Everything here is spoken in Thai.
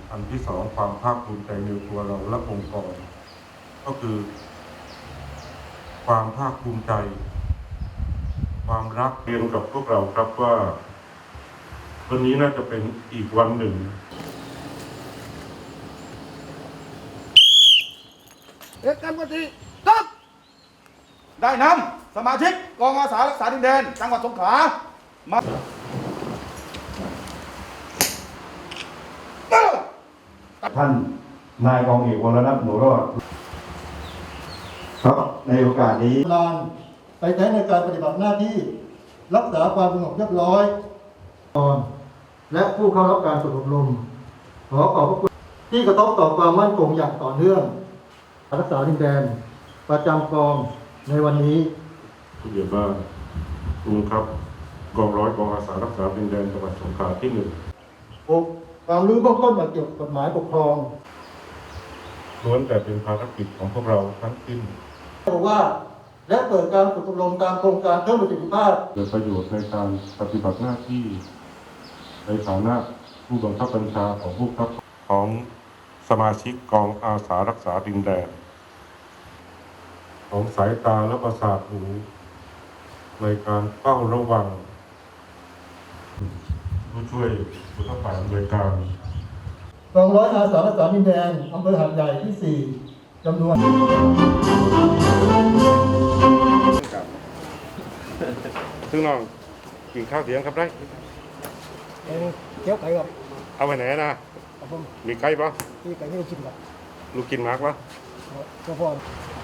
อันที่สองความภาคภูมิใจในตัวเราและองค์กรก็คือ ความภาคภูมิใจ ความรักเรียนกับพวกเราครับว่าวันนี้น่าจะเป็นอีกวันหนึ่งเอกกันปฏิครับได้นำสมาชิกกองอาสารักษาดินแดนจังหวัดสงขลามาท่านนายกองเอกวรนัทหนูรอดครับในโอกาสนี้ลานไปใช้ในการปฏิบัติหน้าที่รักษาความสงบเรียบร้อยและผู้เข้ารับการฝึกอบรมขอขอบพระคุณที่กระทบต่อความมั่นคงอย่างต่อเนื่องรักษาดินแดนประจำกองในวันนี้ผู้ใหญ่บ้านลุงครับกองร้อยกองอาสารักษาดินแดนจังหวัดสงขลาที่ 6. ความรู้เบื้องต้นเกี่ยวกับกฎหมายปกครอง 1ล้วนแต่เป็นภารกิจของพวกเราทั้งสิ้นบอกว่าและเปิดการฝึกอบรมตามโครงการเพิ่มประสิทธิภาพเกิดประโยชน์ในการปฏิบัติหน้าที่ในฐานะผู้บังคับบัญชาของผู้บังคับของสมาชิกกองอาสารักษาดินแดนของสายตาและประสาทหูในการเฝ้าระวังผู้ช่วยผู้เข้าฝ่ายอำนวยการกองร้อยอาสารักษาดินแดนอำเภอหาดใหญ่ที่ 4จำนวนซึ่งน้องกินข้าวเสียงครับได้เจียวไก่ครับเอาไปไหนนะครับผมมีไก่ปะที่ไก่ที่เรากินครับลูกกินมากปะก็พอ